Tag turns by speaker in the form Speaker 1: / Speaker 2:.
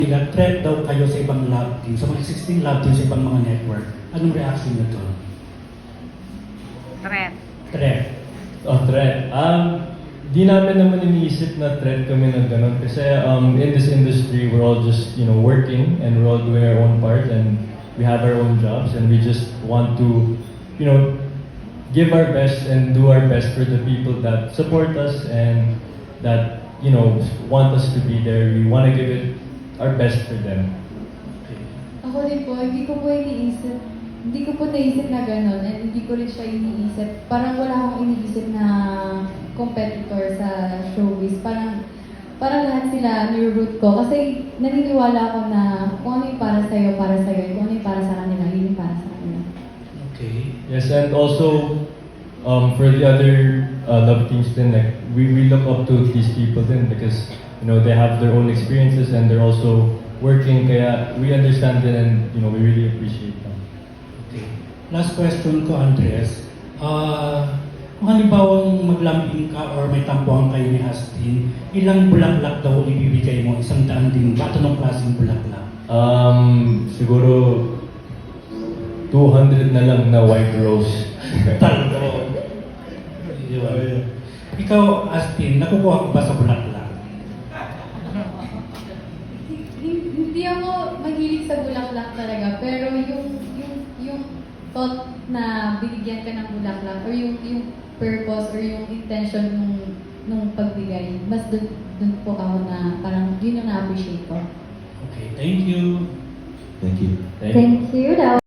Speaker 1: Threat daw kayo sa ibang love team, sa mga existing love team sa ibang mga network. Anong reaction nyo to?
Speaker 2: Threat.
Speaker 1: Threat.
Speaker 3: Oh, threat. Di namin naman iniisip na threat kami ng ganun. Kasi in this industry, we're all just, working and we're all doing our own part and we have our own jobs and we just want to, give our best and do our best for the people that support us and that, want us to be there. We want to give it our best for them.
Speaker 4: Ako din po, hindi ko po naisip na gano'n at hindi ko rin siya iniisip. Parang wala akong iniisip na competitor sa showbiz. Parang lahat sila niroot ko kasi naniniwala ako na kung ano yung para sa'yo, kung ano yung para sa kanila, yun yung para sa kanila.
Speaker 1: Okay.
Speaker 3: Yes, and also for the other love teams then like we look up to these people then because they have their own experiences and they're also working kaya we understand them and we really appreciate them.
Speaker 1: Okay. Last question ko, Andres. Kung halimbawang maglambing ka or may tampuhan kayo ni Astin, ilang bulaklak daw ibibigay mo? 100 din ba? Anong klaseng bulaklak?
Speaker 3: Siguro 200 na lang na white rose.
Speaker 1: Taldo. Yun. Ikaw, Astin, nakukuha ko ba sa bulaklak?
Speaker 4: Hindi ako mahilig sa bulaklak talaga, pero yung thought na binigyan ka ng bulaklak or yung purpose or yung intention nung pagbigay, mas dun po ako na parang yun yung na-appreciate ko.
Speaker 1: Okay, thank you.
Speaker 3: Thank you.
Speaker 4: Thank you.